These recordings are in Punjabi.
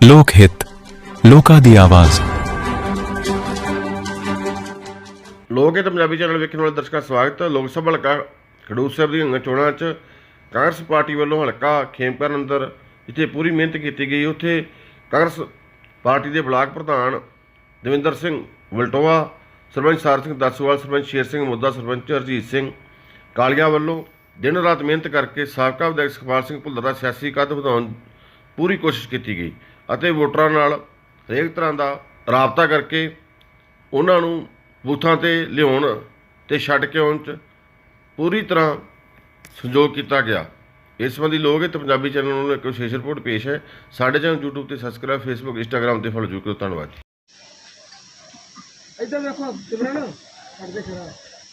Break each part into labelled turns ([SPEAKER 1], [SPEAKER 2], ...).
[SPEAKER 1] ਲੋਕ ਹਿੱਤ, ਲੋਕਾਂ ਦੀ ਆਵਾਜ਼।
[SPEAKER 2] ਲੋਕ ਹਿੱਤ ਪੰਜਾਬੀ ਚੈਨਲ ਵੇਖਣ ਵਾਲੇ ਦਰਸ਼ਕਾਂ ਦਾ ਸਵਾਗਤ ਹੈ। ਲੋਕ ਸਭਾ ਹਲਕਾ ਖਡੂਰ ਸਾਹਿਬ ਦੀਆਂ ਚੋਣਾਂ 'ਚ ਕਾਂਗਰਸ ਪਾਰਟੀ ਵੱਲੋਂ ਹਲਕਾ ਖੇਮਕਰਨ ਅੰਦਰ ਜਿੱਥੇ ਪੂਰੀ ਮਿਹਨਤ ਕੀਤੀ ਗਈ, ਉੱਥੇ ਕਾਂਗਰਸ ਪਾਰਟੀ ਦੇ ਬਲਾਕ ਪ੍ਰਧਾਨ ਦਵਿੰਦਰ ਸਿੰਘ ਵਲਟੋਆ, ਸਰਪੰਚ ਸਾਰ ਸਿੰਘ ਦਸੂਵਾਲ, ਸਰਪੰਚ ਸ਼ੇਰ ਸਿੰਘ ਮੁੱਦਾ, ਸਰਪੰਚ ਹਰਜੀਤ ਸਿੰਘ ਕਾਲੀਆ ਵੱਲੋਂ ਦਿਨ ਰਾਤ ਮਿਹਨਤ ਕਰਕੇ ਸਾਬਕਾ ਵਿਧਾਇਕ ਸੁਖਪਾਲ ਸਿੰਘ ਭੁੱਲਰ ਦਾ ਸਿਆਸੀ ਕੱਦ ਵਧਾਉਣ ਪੂਰੀ ਕੋਸ਼ਿਸ਼ ਕੀਤੀ ਗਈ ਅਤੇ ਵੋਟਰਾਂ ਨਾਲ ਹਰੇਕ ਤਰ੍ਹਾਂ ਦਾ ਰਾਬਤਾ ਕਰਕੇ ਉਹਨਾਂ ਨੂੰ ਬੂਥਾਂ 'ਤੇ ਲਿਆਉਣ ਅਤੇ ਛੱਡ ਕੇ ਆਉਣ 'ਚ ਪੂਰੀ ਤਰ੍ਹਾਂ ਸਹਿਯੋਗ ਕੀਤਾ ਗਿਆ। ਇਸ ਸੰਬੰਧੀ ਲੋਕ ਹਿੱਤ ਪੰਜਾਬੀ ਚੈਨਲ ਨੂੰ ਇੱਕ ਵਿਸ਼ੇਸ਼ ਰਿਪੋਰਟ ਪੇਸ਼ ਹੈ। ਸਾਡੇ ਚੈਨਲ YouTube 'ਤੇ ਸਬਸਕ੍ਰਾਈਬ, Facebook, Instagram 'ਤੇ ਫੋਲੋ ਜ਼ਰੂਰ ਕਰੋ। ਧੰਨਵਾਦ ਜੀ।
[SPEAKER 3] ਇੱਧਰ ਵੇਖੋ ਸਿਮਰਨ ਕਰਦੇ ਖੜਾ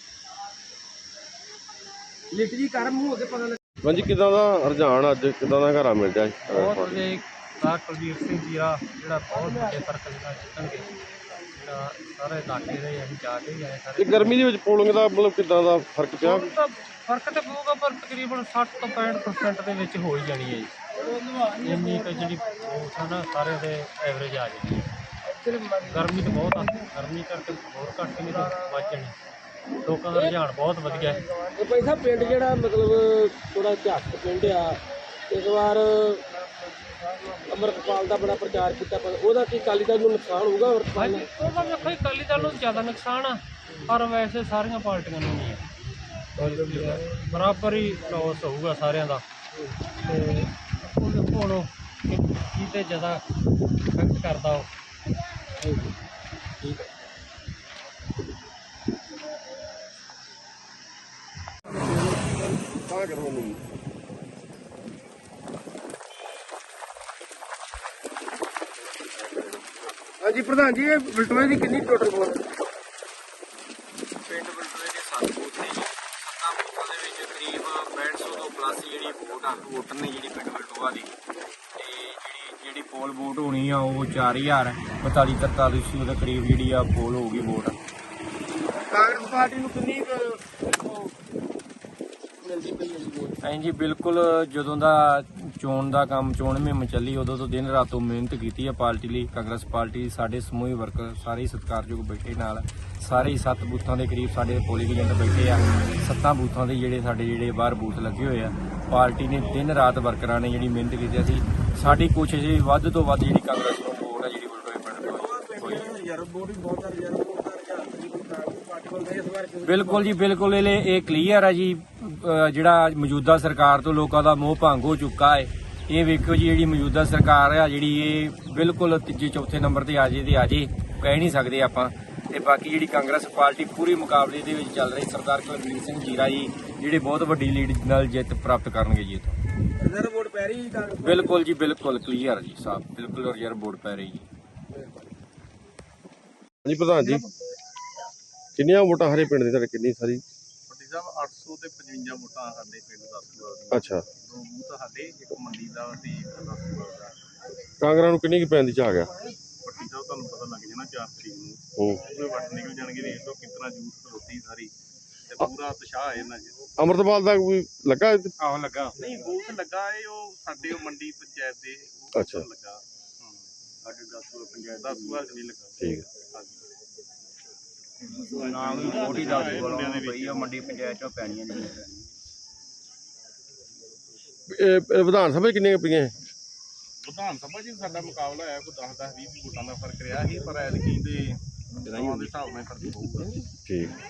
[SPEAKER 3] ਲਿਟ ਜੀ ਕਰ ਮੂੰਹ ਹੋ ਕੇ ਪਤਾ ਲੱਗ।
[SPEAKER 2] ਹਾਂਜੀ, ਕਿੱਦਾਂ ਦਾ ਰੁਝਾਨ ਅੱਜ, ਕਿੱਦਾਂ ਦਾ ਘਰਾਂ ਮਿਲ ਜਾਏ?
[SPEAKER 4] ਬਹੁਤ ਵਧੀਆ ਸਰ ਕੁਲਦੀਪ ਸਿੰਘ ਜੀਰਾ ਜਿਹੜਾ ਬਹੁਤ ਵੱਡੇ ਫਰਕ ਦੇ ਨਾਲ ਜਿੱਤਣਗੇ, ਜਿਹੜਾ ਸਾਰੇ ਇਲਾਕੇ ਦੇ ਅਸੀਂ ਜਾ ਕੇ ਹੀ ਆਏ ਸਾਰੇ।
[SPEAKER 2] ਗਰਮੀ ਦੇ ਵਿੱਚ ਪੋਲਿੰਗ ਦਾ ਮਤਲਬ ਕਿੱਦਾਂ ਦਾ ਫਰਕ ਪਿਆ?
[SPEAKER 4] ਫਰਕ ਤਾਂ ਪਊਗਾ ਪਰ ਤਕਰੀਬਨ 60 ਤੋਂ 65% ਦੇ ਵਿੱਚ ਹੋ ਹੀ ਜਾਣੀ ਹੈ ਜੀ। ਇੰਨੀ ਕੁ ਜਿਹੜੀ ਵੋਟ ਆ ਨਾ ਸਾਰੇ ਦੇ ਐਵਰੇਜ ਆ ਜਾਣੀ ਹੈ। ਗਰਮੀ ਤਾਂ ਬਹੁਤ ਆ, ਗਰਮੀ ਕਰਕੇ ਹੋਰ ਘੱਟ ਨਹੀਂ ਤਾਂ ਵੱਧ ਜਾਣੀ। ਲੋਕਾਂ ਦਾ ਰੁਝਾਨ ਬਹੁਤ ਵਧੀਆ ਹੈ।
[SPEAKER 3] ਇਹ ਭਾਈ ਸਾਹਿਬ ਪਿੰਡ ਜਿਹੜਾ ਮਤਲਬ ਥੋੜਾ ਇਤਿਹਾਸਕ ਪਿੰਡ ਆ, ਇਸ ਵਾਰ ਅੰਮ੍ਰਿਤਪਾਲ ਦਾ ਬੜਾ ਪ੍ਰਚਾਰ ਕੀਤਾ, ਪਰ ਉਹਦਾ ਕੀ ਅਕਾਲੀ ਦਲ ਨੂੰ ਨੁਕਸਾਨ ਹੋਊਗਾ? ਅੰਮ੍ਰਿਤਪਾਲ ਨੂੰ
[SPEAKER 4] ਉਹਦਾ ਵੇਖੋ ਜੀ ਅਕਾਲੀ ਦਲ ਨੂੰ ਜ਼ਿਆਦਾ ਨੁਕਸਾਨ ਆ, ਪਰ ਵੈਸੇ ਸਾਰੀਆਂ ਪਾਰਟੀਆਂ ਨੂੰ ਨਹੀਂ ਆ, ਬਰਾਬਰ ਹੀ ਲੋਸ ਹੋਊਗਾ ਸਾਰਿਆਂ ਦਾ। ਤੇ ਹੁਣ ਕਿਤੇ ਜ਼ਿਆਦਾ ਇਫੈਕਟ ਕਰਦਾ ਉਹ। ਠੀਕ ਹੈ।
[SPEAKER 3] ਹਾਂਜੀ ਪ੍ਰਧਾਨ ਜੀ, ਇਹ ਬਲਟੋਏ ਦੀ ਕਿੰਨੀ ਟੋਟਲ ਵੋਟ?
[SPEAKER 5] ਪਿੰਡ ਬਲਟੋਏ ਦੇ 7 ਬੂਥ ਨੇ ਜੀ। 7 ਬੂਥਾਂ ਦੇ ਵਿੱਚ ਕਰੀਬ 6500 ਤੋਂ ਪਲੱਸ ਜਿਹੜੀ ਵੋਟ ਆ ਵੋਟਰ ਨੇ ਜਿਹੜੀ ਪਿੰਡ ਬਲਟੋਆ ਦੀ। ਤੇ ਜਿਹੜੀ ਪੋਲ ਵੋਟ ਹੋਣੀ ਆ ਉਹ 4000 43-43 ਦੇ ਕਰੀਬ ਜਿਹੜੀ ਆ ਪੋਲ ਹੋਊਗੀ ਵੋਟ।
[SPEAKER 3] ਕਾਂਗਰਸ ਪਾਰਟੀ ਨੂੰ ਕਿੰਨੀ ਮਿਲਦੀ ਪਈ ਹੈ ਵੋਟ?
[SPEAKER 5] ਹਾਂਜੀ ਬਿਲਕੁਲ, ਜਦੋਂ ਦਾ ਚੋਣ ਦਾ ਕੰਮ, ਚੋਣ ਮੁਹਿੰਮ ਚੱਲੀ, ਉਦੋਂ ਤੋਂ ਦਿਨ ਰਾਤੋਂ ਮਿਹਨਤ ਕੀਤੀ ਆ ਪਾਰਟੀ ਲਈ। ਕਾਂਗਰਸ ਪਾਰਟੀ ਸਾਡੇ ਸਮੂਹ ਵਰਕਰ ਸਾਰੇ ਸਤਿਕਾਰਯੋਗ ਬੈਠੇ ਨਾਲ, ਸਾਰੇ 7 ਬੂਥਾਂ ਦੇ ਕਰੀਬ ਸਾਡੇ ਪੋਲਿੰਗ ਏਜੰਟ ਬੈਠੇ ਆ। 7 ਬੂਥਾਂ ਦੇ ਜਿਹੜੇ ਬਾਹਰ ਬੂਥ ਲੱਗੇ ਹੋਏ ਆ, ਪਾਰਟੀ ਨੇ ਦਿਨ ਰਾਤ ਵਰਕਰਾਂ ਨੇ ਜਿਹੜੀ ਮਿਹਨਤ ਕੀਤੀ। ਅਸੀਂ ਸਾਡੀ ਕੋਸ਼ਿਸ਼ ਹੈ ਵੱਧ ਤੋਂ ਵੱਧ ਜਿਹੜੀ ਕਾਂਗਰਸ ਨੂੰ ਵੋਟ ਆ ਜਿਹੜੀ ਬਲਟੋਏ ਪਿੰਡ ਬਿਲਕੁਲ ਜੀ ਬਿਲਕੁਲ। ਇਹ ਕਲੀਅਰ ਹੈ ਜੀ, ਜਿਹੜਾ ਮੌਜੂਦਾ ਸਰਕਾਰ ਤੋਂ ਲੋਕਾਂ ਦਾ ਮੋਹ ਭੰਗ ਹੋ ਚੁੱਕਾ ਹੈ। ਇਹ ਵੇਖੋ ਜੀ, ਜਿਹੜੀ ਮੌਜੂਦਾ ਸਰਕਾਰ ਆ ਜਿਹੜੀ ਇਹ ਬਿਲਕੁਲ ਤੀਜੇ ਚੌਥੇ ਨੰਬਰ ਤੇ ਆ ਜੇ ਕਹਿ ਨਹੀਂ ਸਕਦੇ ਆਪਾਂ। ਤੇ ਬਾਕੀ ਜਿਹੜੀ ਕਾਂਗਰਸ ਪਾਰਟੀ ਪੂਰੀ ਮੁਕਾਬਲੇ ਦੇ ਵਿੱਚ ਚੱਲ ਰਹੀ, ਸਰਦਾਰ ਕੁਲਦੀਪ ਸਿੰਘ ਜੀਰਾ ਜੀ ਜਿਹੜੇ ਬਹੁਤ ਵੱਡੀ ਲੀਡ ਨਾਲ ਜਿੱਤ ਪ੍ਰਾਪਤ ਕਰਨਗੇ ਜੀ ਇੱਥੋਂ।
[SPEAKER 3] ਰਿਜ਼ਰਵ ਵੋਟ ਪੈ ਰਹੀ ਕਾਂਗਰਸ?
[SPEAKER 5] ਬਿਲਕੁਲ ਜੀ ਬਿਲਕੁਲ ਕਲੀਅਰ ਜੀ ਸਾਹਿਬ, ਬਿਲਕੁਲ ਰਿਜ਼ਰਵ ਵੋਟ ਪੈ ਰਹੀ ਜੀ।
[SPEAKER 2] ਹਾਂਜੀ ਪ੍ਰਧਾਨ ਜੀ, ਕਿੰਨੀਆਂ ਵੋਟਾਂ ਹਰੇ ਪਿੰਡ ਦੀ ਤੁਹਾਡੇ? ਕਿੰਨੀ ਸਾਰੀ?
[SPEAKER 6] ਵੱਡੀ ਸਾਹਿਬ 800 ਤੇ 55 ਵੋਟਾਂ ਸਾਡੇ ਪਿੰਡ ਦਸੂਵਾਲ ਦੀਆਂ।
[SPEAKER 2] ਅੱਛਾ,
[SPEAKER 6] 2 ਬੂਥ ਸਾਡੇ, ਇੱਕ ਮੰਡੀ ਦਾ ਤੇ ਇੱਕ ਦਸੂਵਾਲ ਦਾ।
[SPEAKER 2] ਕਾਂਗਰਸ ਨੂੰ ਕਿੰਨੀ ਕੁ ਪੈਣ ਦੀ ਚਾਹ ਗਿਆ?
[SPEAKER 6] ਵੱਡੀ ਸਾਹਿਬ ਤੁਹਾਨੂੰ ਪਤਾ ਲੱਗ ਜਾਣਾ 4 ਤਰੀਕ ਨੂੰ
[SPEAKER 2] ਹੂੰ,
[SPEAKER 6] ਉਹਦੇ ਵੱਟ ਨਿਕਲ ਜਾਣਗੇ। ਦੇਖ ਲਓ ਕਿਤਨਾ ਜੂਸ ਖਲੋਤੀ ਸਾਰੀ ਤੇ ਪੂਰਾ ਉਤਸ਼ਾਹ ਹੈ ਇਹਨਾਂ 'ਚ।
[SPEAKER 2] ਅੰਮ੍ਰਿਤਪਾਲ ਦਾ ਕੋਈ ਲੱਗਾ?
[SPEAKER 6] ਆਹੋ ਲੱਗਾ ਨਹੀਂ, ਬੂਥ ਲੱਗਾ ਏ ਉਹ ਸਾਡੇ ਉਹ ਮੰਡੀ ਪੰਚਾਇਤ ਦੇ ਉਹ
[SPEAKER 2] ਅੱਛਾ।
[SPEAKER 6] ਲੱਗਾ। ਸਾਡੇ ਦਸੂਵਾਲ ਪੰਚਾਇਤ ਦਸੂਵਾਲ 'ਚ ਨਹੀਂ ਲੱਗਾ।
[SPEAKER 2] ਠੀਕ ਹੈ।
[SPEAKER 5] ਨਾਮ ਵੀ ਵੋਟ ਹੀ ਦੱਸ ਪਈ ਆ, ਮੰਡੀ ਪੰਚਾਇਤ ਚੋਂ ਪੈਣੀਆਂ ਨੇ।
[SPEAKER 2] ਇਹ ਵਿਧਾਨ ਸਭਾ 'ਚ ਕਿੰਨੀਆਂ ਪਈਆਂ?
[SPEAKER 6] ਵਿਧਾਨ ਸਭਾ 'ਚ ਸਾਡਾ ਮੁਕਾਬਲਾ ਹੋਇਆ, ਕੋਈ 10-20 ਵੋਟਾਂ ਦਾ ਫਰਕ ਰਿਹਾ ਸੀ, ਪਰ ਐਤਕੀ ਦੇ ਹਿਸਾਬ ਨਾਲ ਫਰਕ ਪਊਗਾ।
[SPEAKER 2] ਠੀਕ।